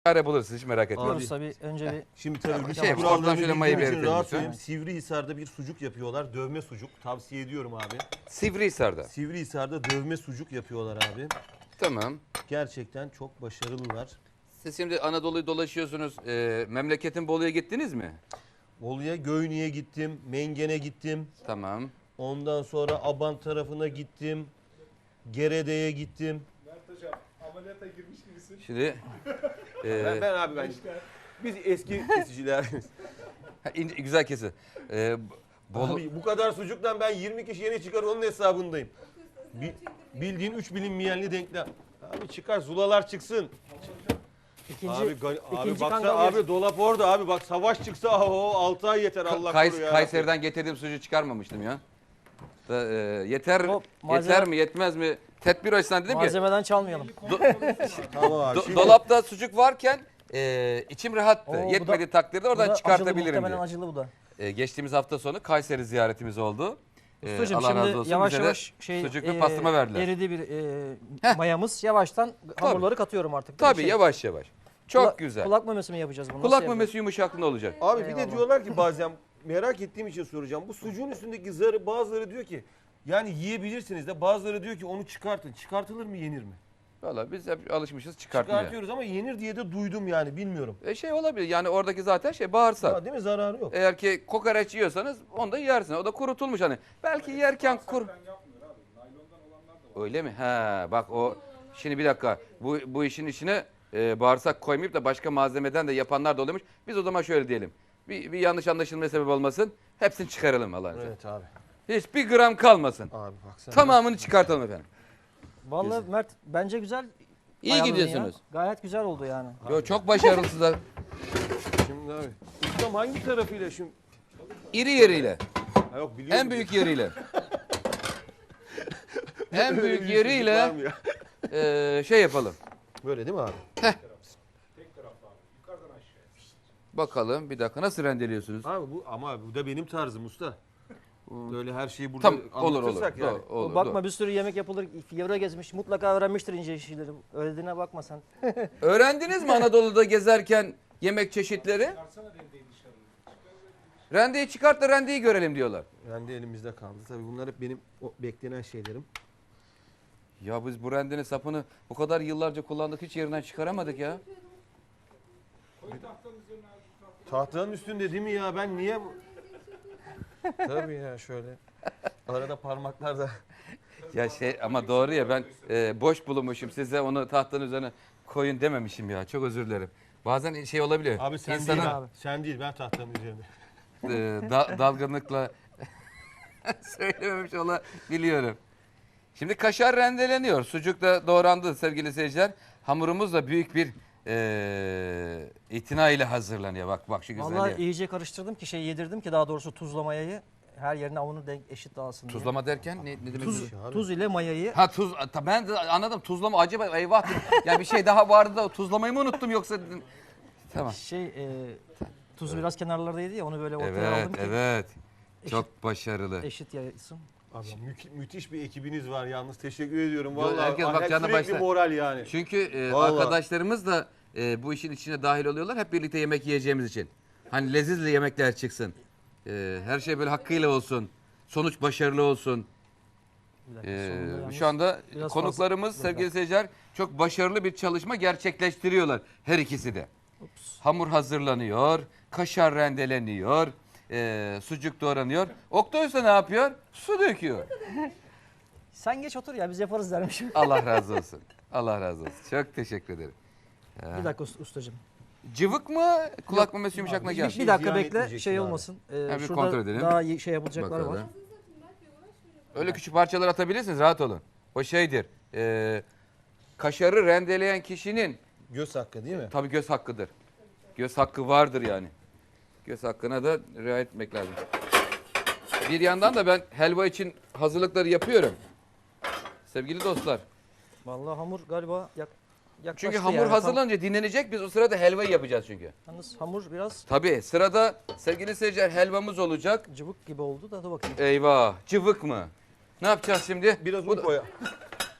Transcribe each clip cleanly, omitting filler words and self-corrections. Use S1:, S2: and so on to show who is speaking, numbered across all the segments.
S1: çare bulursunuz, hiç merak etmeyin.
S2: Abi, tabii önce bir...
S3: Şimdi tabii
S1: Şey, oradan şöyle mayı
S3: için rahat
S1: belirtelim.
S3: söyleyeyim. Sivrihisar'da bir sucuk yapıyorlar. Dövme sucuk. Tavsiye ediyorum abi.
S1: Sivrihisar'da.
S3: Sivrihisar'da dövme sucuk yapıyorlar abi.
S1: Tamam.
S3: Gerçekten çok başarılılar.
S1: Siz şimdi Anadolu'yu dolaşıyorsunuz. Memleketin Bolu'ya gittiniz mi?
S3: Bolu'ya, Göynü'ye gittim. Mengen'e gittim.
S1: Tamam.
S3: Ondan sonra Abant tarafına gittim. Gerede'ye gittim.
S4: Mert Hocam ameliyata girmiş gibisin.
S1: Şimdi
S3: Ben biz eski kesiciler.
S1: güzel kesi. Bolu,
S3: Abi bu kadar sucuktan ben 20 kişi yeni çıkar onun hesabındayım. Bildiğin 3 bilinmeyenli denklem. Abi çıkar zulalar çıksın.
S2: İkinci
S3: Abi baksana
S2: kangal
S3: abi dolap orada abi bak savaş çıksa 6 ay yeter Allah koruyor ya.
S1: Kayseri'den getirdiğim sucuğu çıkarmamıştım ya. Yeter
S2: O
S1: yeter mi yetmez mi? Tedbir açısından dedim ki
S2: malzemeden çalmayalım.
S3: Tamam abi.
S1: dolapta sucuk varken içim rahattı.
S2: Oo, bu
S1: Yetmediği
S2: da-
S1: takdirde
S2: Bu
S1: oradan
S2: da
S1: çıkartabilirim
S2: acılı, muhtemelen
S1: diye.
S2: acılı bu da.
S1: Geçtiğimiz hafta sonu Kayseri ziyaretimiz oldu.
S2: Ustacığım
S1: Allah razı
S2: şimdi
S1: olsun.
S2: yavaş
S1: Bize de
S2: yavaş
S1: sucuklu pastırma verdiler.
S2: eridi bir mayamız. Yavaştan hamurları katıyorum artık. değil mi?
S1: Tabii yavaş yavaş. Çok güzel.
S2: Kulak memesi mi yapacağız bunu?
S1: Kulak
S2: Nasıl
S1: memesi yumuşaklığında olacak.
S3: Abi bir de
S2: Eyvallah.
S3: diyorlar ki bazen merak ettiğim için soracağım. Bu sucuğun üstündeki zarı bazıları diyor ki yani yiyebilirsiniz de bazıları diyor ki onu çıkartın. Çıkartılır mı yenir mi?
S1: Valla biz hep alışmışız çıkartmaya.
S3: Çıkartıyoruz ama yenir diye de duydum yani bilmiyorum.
S1: Şey olabilir yani oradaki zaten bağırsak.
S3: Ha, değil mi zararı yok.
S1: Eğer ki kokoreç yiyorsanız onu da yersin. O da kurutulmuş hani. Belki yerken Öyle mi? He bak o şimdi bir dakika. Bu işin içine bağırsak koymayıp da başka malzemeden de yapanlar da oluyormuş. Biz o zaman şöyle diyelim. Bir yanlış anlaşılmaya sebep olmasın. Hepsini çıkaralım Allah'ın izniyle.
S3: Evet abi.
S1: Hiçbir gram kalmasın.
S3: Abi baksana.
S1: Tamamını çıkartalım efendim.
S2: Vallahi Mert bence güzel.
S1: İyi
S2: ayarladın
S1: gidiyorsunuz.
S2: ya. Gayet güzel oldu yani.
S1: Yo, çok başarılısınız.
S3: Şimdi abi. Ustam hangi tarafıyla şimdi?
S1: İri yeriyle.
S3: Ha, yok biliyorum.
S1: En büyük yeriyle. En
S3: Öyle
S1: büyük
S3: bir sucuk var
S1: yeriyle
S3: mı ya?
S1: şey yapalım.
S3: Böyle değil mi abi?
S1: Bakalım bir dakika nasıl rendeliyorsunuz?
S3: Abi bu da benim tarzım usta. Böyle her şeyi burada
S1: Tam olur
S3: anlatırsak yani.
S1: olur.
S2: Bakma bir sürü yemek yapılır. Yavra gezmiş. Mutlaka öğrenmiştir ince işleri. Öğrendiğine bakma sen.
S1: Öğrendiniz mi Anadolu'da gezerken yemek çeşitleri? Rendeyi çıkart da rendeyi görelim diyorlar.
S3: Rende elimizde kaldı. Tabii bunlar hep benim o beklenen şeylerim.
S1: Ya biz bu rendenin sapını o kadar yıllarca kullandık hiç yerinden çıkaramadık ya.
S3: Tahtanın üstünde değil mi ya? Ben niye... Tabii ya şöyle. Arada parmaklar da...
S1: Ya ama doğru ya ben boş bulunmuşum size onu tahtanın üzerine koyun dememişim ya çok özür dilerim. Bazen şey olabiliyor.
S3: Abi sen
S1: İnsanın,
S3: değil abi. Sen değil ben tahtanın üzerinde.
S1: Dalgınlıkla söylememiş olabiliyorum. Şimdi kaşar rendeleniyor. Sucuk da doğrandı sevgili seyirciler. Hamurumuz da büyük bir itina ile hazırlanıyor. Bak şu güzelliğe.
S2: Vallahi iyice karıştırdım ki yedirdim ki daha doğrusu tuzla mayayı her yerine avunu denk eşit dağılsın diye.
S1: Tuzlama derken ne demek?
S2: Tuz ile mayayı.
S1: Ha tuz. Ben de anladım. Tuzlama acaba eyvah dedim. Ya bir şey daha vardı da tuzlamayı mı unuttum yoksa dedim. Tamam.
S2: Tuzu biraz kenarlardaydı ya onu böyle ortaya
S1: Evet,
S2: aldım ki
S1: evet. Çok başarılı.
S2: eşit yaysın.
S3: Abi müthiş bir ekibiniz var yalnız. Teşekkür ediyorum.
S1: Yo,
S3: Vallahi
S1: herkes bak canına
S3: sürekli
S1: başla.
S3: moral yani.
S1: Çünkü
S3: Vallahi.
S1: arkadaşlarımız da bu işin içine dahil oluyorlar. Hep birlikte yemek yiyeceğimiz için. Hani lezzetli yemekler çıksın. Her şey böyle hakkıyla olsun. Sonuç başarılı olsun.
S2: Bir dakika, sonunda yalnız
S1: Şu anda
S2: biraz
S1: konuklarımız
S2: fazla-
S1: sevgili seyirciler çok başarılı bir çalışma gerçekleştiriyorlar. Her ikisi de. Hamur hazırlanıyor. Kaşar rendeleniyor. Sucuk doğranıyor. Oktay Usta ne yapıyor? Su döküyor.
S2: Sen geç otur ya biz yaparız dermişim.
S1: Allah razı olsun. Allah razı olsun. Çok teşekkür ederim.
S2: Bir dakika ustacığım.
S1: Cıvık mı? Kulak memesi yumuşaklığına
S3: hiçbir
S1: gel.
S3: şey
S2: Bir dakika
S3: ziyan
S2: bekle
S3: etmeyeceksin
S2: şey
S3: abi.
S2: olmasın.
S1: bir
S2: Şurada
S1: kontrol edelim.
S2: daha iyi şey yapılacaklar var.
S1: Bakalım. Öyle küçük parçalar atabilirsiniz. Rahat olun. O şeydir. Kaşarı rendeleyen kişinin
S3: Göz hakkı değil mi?
S1: tabii göz hakkıdır. Göz hakkı vardır yani. Göz hakkına da riayet etmek lazım. Bir yandan da ben helva için hazırlıkları yapıyorum. Sevgili dostlar.
S2: Vallahi hamur galiba yaklaştı
S1: Çünkü hamur
S2: yani.
S1: hazırlanınca dinlenecek. Biz o sırada helvayı yapacağız çünkü.
S2: Yalnız hamur biraz
S1: Tabii sırada sevgili seyirciler helvamız olacak.
S2: cıvık gibi oldu da dur bakayım.
S1: Eyvah. Cıvık mı? Ne yapacağız şimdi?
S3: Biraz
S1: Bu
S3: un
S1: da-
S3: koy.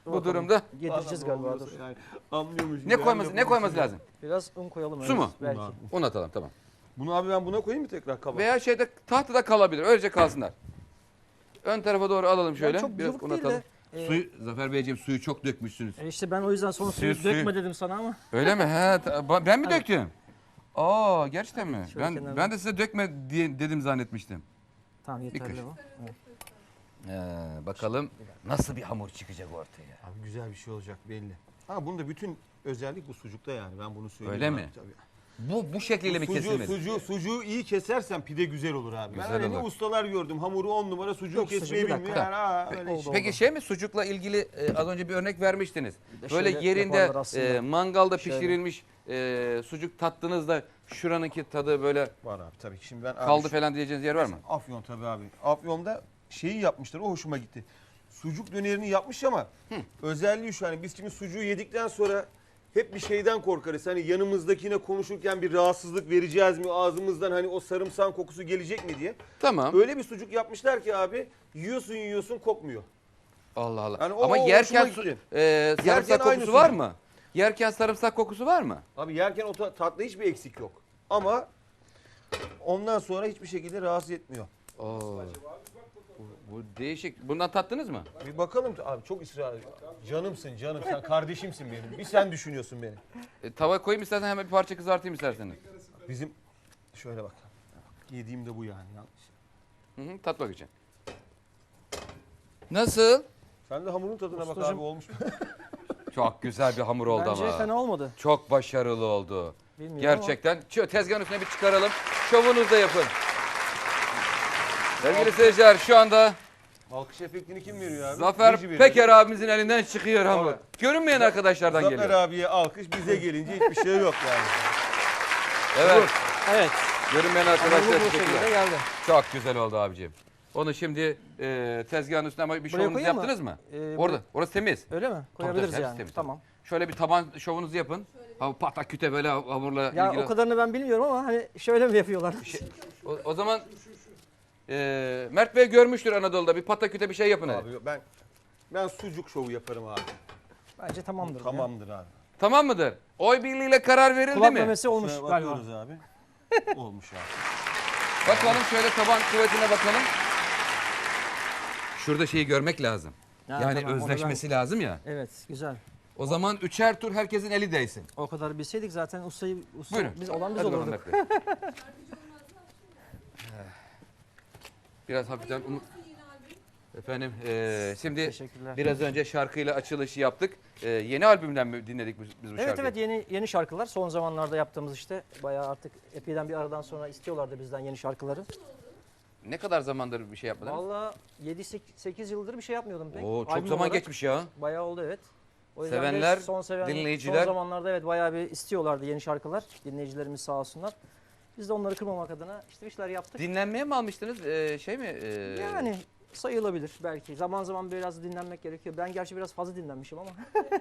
S1: Bu
S2: Bakalım.
S1: durumda
S2: Yedireceğiz galiba. Dur.
S3: Yani anlıyormuş.
S1: ne koyması lazım?
S2: Biraz un koyalım.
S1: Su mu?
S2: Belki.
S1: Un atalım, tamam.
S3: Bunu abi ben buna koyayım mı tekrar kaba?
S1: Veya şeyde tahtada kalabilir. Öylece kalsınlar. Ön tarafa doğru alalım şöyle.
S2: çok
S1: Biraz
S2: cıvık
S1: un
S2: değil de,
S1: atalım. Suyu, Zafer Beyciğim suyu çok dökmüşsünüz.
S2: İşte ben o yüzden sonra suyu
S1: Suyu-
S2: dökme dedim sana ama.
S1: Öyle mi? He, ben mi döktüm? Aa, gerçekten mi?
S2: Şöyle
S1: Ben
S2: kenarına.
S1: de size dökme diye dedim zannetmiştim.
S2: Tamam yeterli
S1: kaşık.
S2: bu. Evet.
S1: Bakalım nasıl bir hamur çıkacak ortaya.
S3: Abi güzel bir şey olacak belli. Ha bunda bütün özellik bu sucukta yani ben bunu söyleyeyim.
S1: Öyle
S3: abi,
S1: mi?
S3: Tabii.
S1: Bu şekliyle mi kesilmeli?
S3: Sucuğu iyi kesersen pide güzel olur abi.
S1: Güzel
S3: ben öyle
S1: olur.
S3: ustalar gördüm. Hamuru 10 numara sucuğu
S2: Yok,
S3: kesmeyi
S2: sucuğu bir
S3: bilmiyor.
S2: dakika.
S3: Yani, öyle
S2: Oldu,
S3: işte.
S1: Peki şey mi, sucukla ilgili az önce bir örnek vermiştiniz.
S2: de
S1: Böyle
S2: şöyle
S1: yerinde
S2: yaparlar aslında.
S1: mangalda
S2: Şöyle.
S1: pişirilmiş sucuk tattığınızda şuranınki tadı böyle
S3: Var abi tabii ki. Şimdi ben
S1: kaldı
S3: abi,
S1: falan diyeceğiniz yer var mı?
S3: Afyon tabii abi. Afyon'da şeyi yapmışlar o hoşuma gitti. Sucuk dönerini yapmış ama özelliği şu hani biz şimdi sucuğu yedikten sonra hep bir şeyden korkarız. Hani yanımızdakine konuşurken bir rahatsızlık vereceğiz mi? Ağzımızdan hani o sarımsak kokusu gelecek mi diye.
S1: Tamam.
S3: Öyle bir sucuk yapmışlar ki abi yiyorsun kokmuyor.
S1: Allah Allah.
S3: Yani o
S1: Ama
S3: hoşuma
S1: yerken
S3: gitti.
S1: sarımsak
S3: aynı
S1: kokusu var
S3: sucuk.
S1: mı? Yerken sarımsak kokusu var mı?
S3: Abi yerken o tatlı hiçbir eksik yok. Ama ondan sonra hiçbir şekilde rahatsız etmiyor.
S1: Oo. Bu değişik. Bundan tattınız mı?
S3: Bir bakalım abi çok ısrar ediyor. Canımsın canım sen kardeşimsin benim. Bir sen düşünüyorsun beni.
S1: Tava koyayım istersen hemen bir parça kızartayım isterseniz.
S3: Bizim şöyle bak. Yediğim de bu yani yanlış.
S1: Hı hı, tatmak için. Nasıl?
S3: Sen de hamurun tadına bak
S2: Ustacığım.
S3: abi olmuş mu?
S1: Çok güzel bir hamur oldu
S2: Bence
S1: ama.
S2: fena olmadı.
S1: Çok başarılı oldu.
S2: Bilmiyorum
S1: Gerçekten. Şu tezgahın üstüne bir çıkaralım. Şovunuzu da yapın. Sevgili seyirciler şu anda
S3: Alkış efektini kim veriyor abi?
S1: Zafer
S3: Reji veriyor.
S1: Peker abimizin elinden çıkıyor hamur.
S3: Evet.
S1: Görünmeyen arkadaşlardan
S3: Zafer
S1: geliyor.
S3: abiye alkış bize gelince hiçbir şey yok yani.
S1: Evet.
S2: Evet.
S1: Görünmeyen
S2: Hamurlu
S1: arkadaşlar
S2: bu şekilde
S1: çıkıyor.
S2: geldi.
S1: Çok güzel oldu abicim. Onu şimdi tezgahın üstüne ama bir
S2: Buraya
S1: şovunuzu
S2: koyayım mı?
S1: yaptınız mı?
S2: Buraya-
S1: Orada. Orası temiz.
S2: Öyle mi? Koyabiliriz
S1: Tabii,
S2: yani.
S1: temiz,
S2: Tamam.
S1: Şöyle bir taban şovunuzu yapın. Ha, patak küte böyle hamurla
S2: Ya
S1: ilgili.
S2: o kadarını ben bilmiyorum ama hani şöyle mi yapıyorlar?
S1: O zaman Mert Bey görmüştür Anadolu'da. Bir pataküte bir şey yapın hadi.
S3: Abi ben sucuk şovu yaparım abi.
S2: Bence tamamdır. ya.
S3: Tamamdır abi.
S1: Tamam mıdır? Oy birliğiyle karar verildi
S2: Kulak
S1: mi?
S2: memesi olmuş
S3: Şuna
S2: galiba.
S3: bakıyoruz abi. Olmuş abi.
S1: Bakalım şöyle taban kuvvetine bakalım. Şurada şeyi görmek lazım.
S2: Ha,
S1: Yani
S2: tamam, onu
S1: özleşmesi lazım ya.
S2: Evet güzel.
S1: O zaman üçer tur herkesin eli değsin.
S2: O kadar bilseydik zaten usta
S1: Buyurun.
S2: biz olan biz
S1: Hadi bakalım
S2: olurduk.
S1: Mert Bey. Biraz hafiften Efendim şimdi
S2: Teşekkürler.
S1: biraz önce şarkıyla açılışı yaptık. Yeni albümden mi dinledik biz bu
S2: Evet
S1: şarkıyı?
S2: evet yeni şarkılar son zamanlarda yaptığımız işte bayağı artık epeyden bir aradan sonra istiyorlardı bizden yeni şarkıları.
S1: Ne kadar zamandır bir şey yapmadınız?
S2: Valla 7-8 yıldır bir şey yapmıyordum pek.
S1: Oo, çok
S2: Albüm
S1: zaman
S2: olarak
S1: geçmiş ya.
S2: Bayağı oldu evet. O yüzden de
S1: Sevenler,
S2: son
S1: dinleyiciler.
S2: Son zamanlarda evet bayağı bir istiyorlardı yeni şarkılar. Dinleyicilerimiz sağ olsunlar. Biz de onları kırmamak adına işte bir şeyler yaptık.
S1: Dinlenmeye mi almıştınız? Şey mi?
S2: Yani sayılabilir belki. Zaman zaman biraz dinlenmek gerekiyor. Ben gerçi biraz fazla dinlenmişim ama.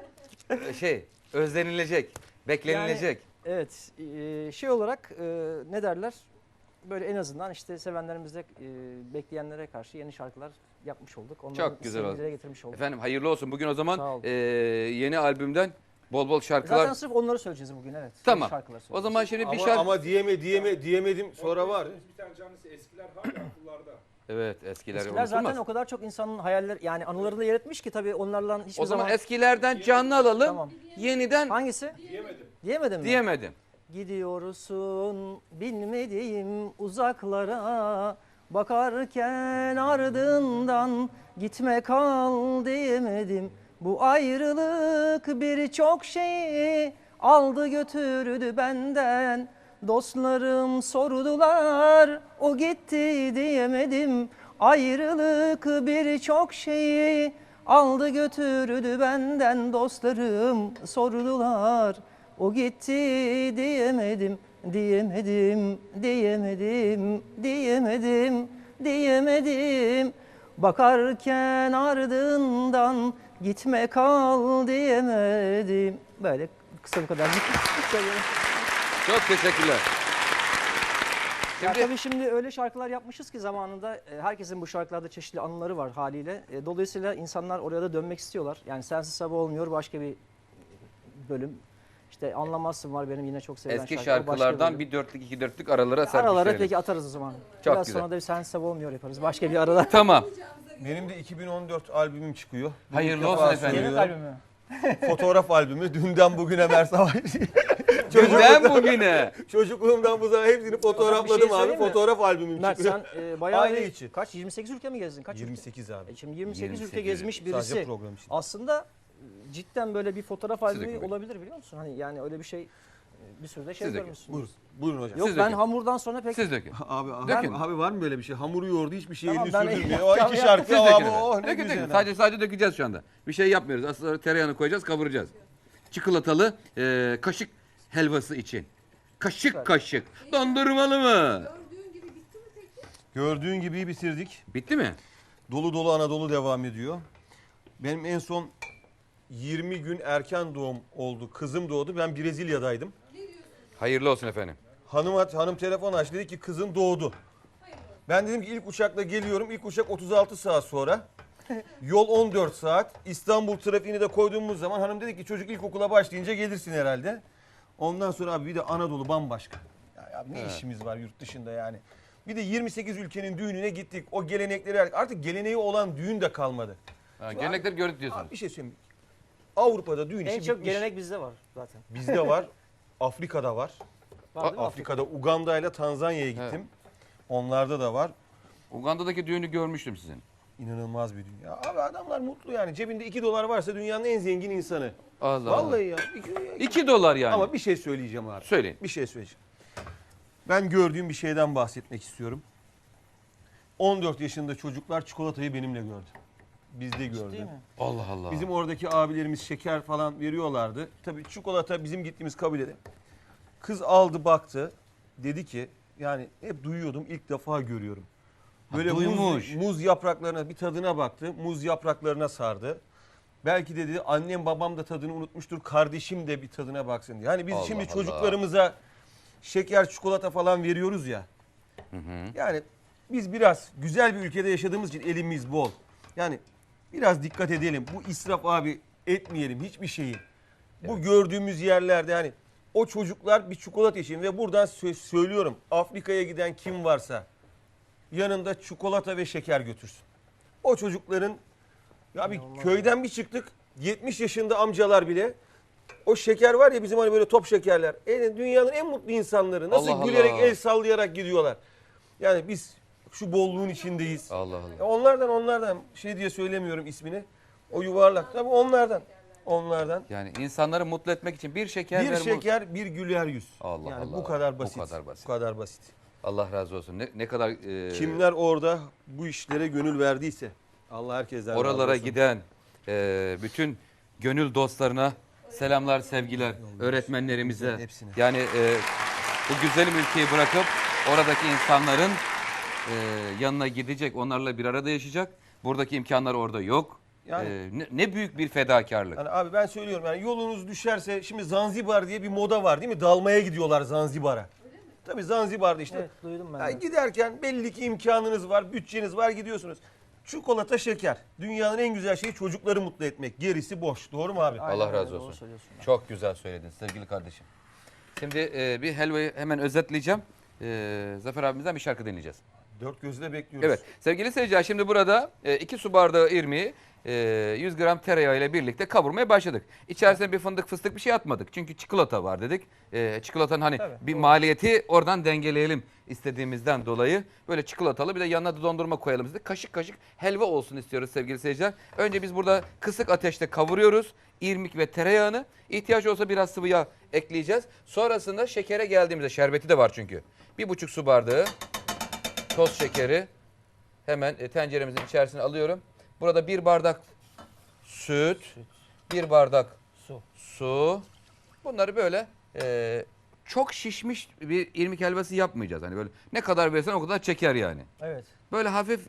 S1: Özlenilecek, beklenilecek.
S2: Evet şey olarak ne derler? Böyle en azından işte sevenlerimizde bekleyenlere karşı yeni şarkılar yapmış olduk. Onların
S1: Çok güzel oldu.
S2: dile getirmiş olduk.
S1: Efendim hayırlı olsun. Bugün o
S2: Sağ
S1: zaman
S2: ol.
S1: yeni albümden bol bol şarkılar.
S2: Zaten sırf onları söyleyeceğiz bugün evet.
S1: Tamam.
S2: Yeni şarkılar
S1: O
S2: söyleyeceğiz.
S1: zaman şimdi bir
S3: Ama,
S1: şarkı...
S3: ama diyemedim sonra var.
S4: Bir tane canlısı eskiler hala akıllarda.
S1: Evet eskiler
S2: Eskiler
S1: unutulmaz.
S2: zaten o kadar çok insanın hayaller yani anılarında yer etmiş ki tabii onlarla hiçbir
S1: O zaman
S2: zaman...
S1: eskilerden canlı alalım.
S2: Tamam.
S1: Yeniden
S2: Hangisi?
S4: Diyemedim.
S2: Diyemedin mi?
S1: diyemedim.
S2: Gidiyorsun bilmediğim uzaklara, bakarken ardından gitme kal diyemedim. Bu ayrılık birçok şeyi aldı götürdü benden. Dostlarım sordular, o gitti diyemedim. Ayrılık birçok şeyi aldı götürdü benden. Dostlarım sordular, o gitti diyemedim, diyemedim, diyemedim, diyemedim, diyemedim. Bakarken ardından gitme kal diyemedim. Böyle kısa bu kadar.
S1: Çok teşekkürler.
S2: Ya
S1: Şimdi
S2: tabii şimdi öyle şarkılar yapmışız ki zamanında herkesin bu şarkılarda çeşitli anıları var haliyle. Dolayısıyla insanlar oraya da dönmek istiyorlar. Yani Sensiz Sabah Olmuyor başka bir bölüm. İşte Anlamazsın var benim yine çok sevilen
S1: eski
S2: şarkı. O başka
S1: şarkılardan
S2: bölüm.
S1: bir dörtlük, iki dörtlük aralara
S2: Aralara
S1: serpiştirelim.
S2: peki atarız o zaman.
S1: Çok
S2: Biraz
S1: güzel.
S2: sonra da bir Sensiz Sabah Olmuyor yaparız. Başka bir arada.
S1: Tamam.
S3: Benim de 2014 albümüm çıkıyor. Bunu
S1: Hayırlı
S3: ilk
S1: olsun
S3: defa
S1: efendim.
S2: Yemek
S3: söylüyorum.
S2: albümü.
S3: Fotoğraf albümü. Dünden bugüne Mersavaş.
S1: Dünden bugüne.
S3: Çocukluğumdan bu zamana hepsini fotoğrafladım abi.
S2: söyleyeyim mi?
S3: Fotoğraf albümüm
S2: Mert
S3: çıkıyor.
S2: sen bayağı
S3: Aile
S2: bir-
S3: içi.
S2: kaç 28 ülke mi gezdin? Kaç ülke?
S3: 28 abi.
S2: Şimdi 28 ülke
S1: 28
S2: gezmiş birisi.
S3: Sadece program için.
S2: Aslında cidden böyle bir fotoğraf
S1: Siz
S2: albümü
S1: dökün bakayım.
S2: olabilir biliyor musun? Hani yani öyle bir şey bir sürü de şey
S1: Siz dökün.
S2: görmüşsün.
S3: Buyurun. Buyurun hocam.
S2: Yok
S1: Siz
S2: ben
S1: dökün.
S2: hamurdan sonra pek
S1: Siz dökün.
S3: Abi, abi var mı böyle bir şey? Hamuru yoğurdu hiçbir şey
S2: Tamam,
S3: elini
S2: ben
S3: sürdürmüyor.
S2: yapacağım,
S3: O iki
S2: yapacağım.
S3: şarkı
S1: Siz dökün
S3: abi
S1: efendim.
S3: oh ne
S1: Dökün,
S3: güzel.
S1: dökün.
S3: ha.
S1: Sadece dökeceğiz şu anda. Bir şey yapmıyoruz. Aslında tereyağını koyacağız, kavuracağız. Çikolatalı kaşık helvası için. Kaşık
S2: Süper.
S1: kaşık. Dondurmalı mı?
S3: Gördüğün gibi bitirdik.
S1: Bitti mi?
S3: Dolu dolu Anadolu devam ediyor. Benim en son 20 gün erken doğum oldu. Kızım doğdu. Ben Brezilya'daydım.
S1: Hayırlı olsun efendim.
S3: Hanım telefon açtı, dedi ki kızın doğdu. Ben dedim ki ilk uçakla geliyorum. İlk uçak 36 saat sonra. Yol 14 saat. İstanbul trafiğini de koyduğumuz zaman hanım dedi ki çocuk ilkokula başlayınca gelirsin herhalde. Ondan sonra abi bir de Anadolu bambaşka. Ya abi ne işimiz var yurt dışında yani. Bir de 28 ülkenin düğününe gittik. O gelenekleri artık geleneği olan düğün de kalmadı.
S1: Ha, gelenekleri gördük diyorsunuz.
S3: Abi bir şey söyleyeyim. Avrupa'da düğün işi
S2: en çok
S3: bitmiş.
S2: gelenek bizde var zaten.
S3: Bizde var. Afrika'da var.
S2: Var değil mi
S3: Afrika'da Uganda ile Tanzanya'ya gittim. Onlarda da var.
S1: Uganda'daki düğünü görmüştüm sizin.
S3: İnanılmaz bir dünya. Abi adamlar mutlu yani. Cebinde 2 dolar varsa dünyanın en zengin insanı.
S1: Allah
S3: Vallahi ya.
S1: 2 dolar yani.
S3: Ama bir şey söyleyeceğim abi.
S1: Söyleyin.
S3: Bir şey söyleyeceğim. Ben gördüğüm bir şeyden bahsetmek istiyorum. 14 yaşında çocuklar çikolatayı benimle gördü. Bizde gördü.
S2: Değil mi?
S1: Allah Allah.
S3: Bizim oradaki abilerimiz şeker falan veriyorlardı. Tabii çikolata bizim gittiğimiz kabilede. Kız aldı baktı. Dedi ki yani hep duyuyordum ilk defa görüyorum. Böyle
S1: duymuş.
S3: muz yapraklarına bir tadına baktı. Muz yapraklarına sardı. Belki dedi annem babam da tadını unutmuştur. Kardeşim de bir tadına baksın diye. Yani biz
S1: Allah
S3: şimdi
S1: Allah.
S3: çocuklarımıza şeker çikolata falan veriyoruz ya. Yani biz biraz güzel bir ülkede yaşadığımız için elimiz bol. Yani biraz dikkat edelim. Bu israf abi etmeyelim hiçbir şeyi. Bu gördüğümüz yerlerde yani o çocuklar bir çikolata için ve buradan söylüyorum Afrika'ya giden kim varsa yanında çikolata ve şeker götürsün. O çocukların ya bir köyden bir çıktık 70 yaşında amcalar bile o şeker var ya bizim hani böyle top şekerler. Dünyanın en mutlu insanları nasıl
S1: Allah
S3: gülerek
S1: Allah.
S3: el sallayarak gidiyorlar. Yani biz şu bolluğun içindeyiz.
S1: Allah Allah.
S3: Onlardan şey diye söylemiyorum ismini. O yuvarlak. Tabii onlardan.
S1: Yani insanları mutlu etmek için bir şeker
S3: Bir
S1: ver,
S3: şeker, bir güler yüz.
S1: Allah
S3: yani
S1: Allah.
S3: bu kadar basit.
S1: Bu kadar basit.
S3: Bu kadar basit.
S1: Allah razı olsun. Ne kadar
S3: Kimler orada bu işlere gönül verdiyse Allah herkesten razı
S1: oralara
S3: olsun.
S1: giden bütün gönül dostlarına selamlar, sevgiler, öğretmenlerimize.
S3: Hepsine.
S1: Yani bu güzelim ülkeyi bırakıp oradaki insanların yanına gidecek, onlarla bir arada yaşayacak. Buradaki imkanlar orada yok.
S3: Yani-
S1: Ne büyük bir fedakarlık.
S3: Yani abi ben söylüyorum yani yolunuz düşerse şimdi Zanzibar diye bir moda var değil mi? Dalmaya gidiyorlar Zanzibar'a. Tabii Zanzibar'da işte.
S2: Evet duydum ben.
S3: Yani
S2: de.
S3: giderken belli ki imkanınız var, bütçeniz var gidiyorsunuz. Çikolata, şeker. Dünyanın en güzel şeyi çocukları mutlu etmek. Gerisi boş. Doğru mu abi?
S2: Aynen
S1: Allah
S2: öyle,
S1: razı
S2: doğru
S1: olsun.
S2: söylüyorsun.
S1: Çok güzel söyledin sevgili kardeşim. Şimdi bir helvayı hemen özetleyeceğim. Zafer abimizden bir şarkı dinleyeceğiz.
S3: Dört gözle bekliyoruz.
S1: Evet sevgili seyirciler şimdi burada 2 su bardağı irmiği 100 gram tereyağı ile birlikte kavurmaya başladık. İçerisine bir fındık fıstık bir şey atmadık. Çünkü çikolata var dedik. Çikolatanın hani
S2: Tabii,
S1: bir
S2: doğru.
S1: maliyeti oradan dengeleyelim istediğimizden dolayı. Böyle çikolatalı bir de yanına da dondurma koyalım dedik. Kaşık kaşık helva olsun istiyoruz sevgili seyirciler. Önce biz burada kısık ateşte kavuruyoruz. İrmik ve tereyağını. İhtiyaç olsa biraz sıvı yağ ekleyeceğiz. Sonrasında şekere geldiğimizde şerbeti de var çünkü. 1,5 su bardağı toz şekeri hemen tenceremizin içerisine alıyorum. Burada 1 bardak süt, 1 bardak su. Bunları böyle çok şişmiş bir irmik helvası yapmayacağız. Hani böyle ne kadar versen o kadar çeker yani.
S2: Evet.
S1: Böyle hafif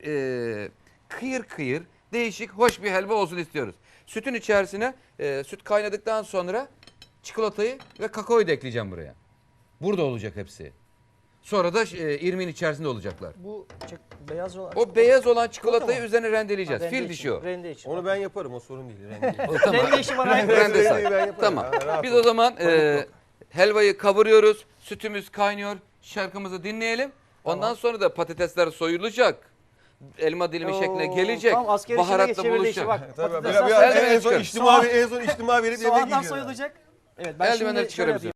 S1: kıyır kıyır, değişik, hoş bir helva olsun istiyoruz. Sütün içerisine süt kaynadıktan sonra çikolatayı ve kakaoyu da ekleyeceğim buraya. Burada olacak hepsi. Sonra da irmiğin içerisinde olacaklar.
S2: Bu beyaz olan.
S1: O beyaz olan çikolatayı
S2: Çikolata mı?
S1: üzerine rendeleyeceğiz.
S2: Rende
S1: Fil
S2: için,
S1: dişi o.
S2: Rende için.
S3: Onu ben yaparım, o sorun değil. Rengi.
S1: O tamam.
S2: Rende işi bana ait.
S1: Rende say.
S3: Ben yaparım.
S1: Tamam.
S3: Ha, rahat
S1: Biz
S3: ol.
S1: o zaman helvayı kavuruyoruz. Sütümüz kaynıyor. Şarkımızı dinleyelim. Ondan sonra da patatesler soyulacak. Elma dilimi şekline gelecek.
S2: Tam asker işine
S1: Baharatla
S2: geçebildi işi
S1: buluşacak.
S2: bak.
S3: Tabii,
S2: patatesler
S3: biraz
S1: Eldivenleri
S3: en son
S1: çıkarın.
S3: içtima verip yemek
S2: Soğandan
S3: yiyeceğiz.
S2: soyulacak. Evet, ben
S1: Eldivenleri
S2: şimdi şöyle
S1: çıkarabiliriz.
S2: yapayım.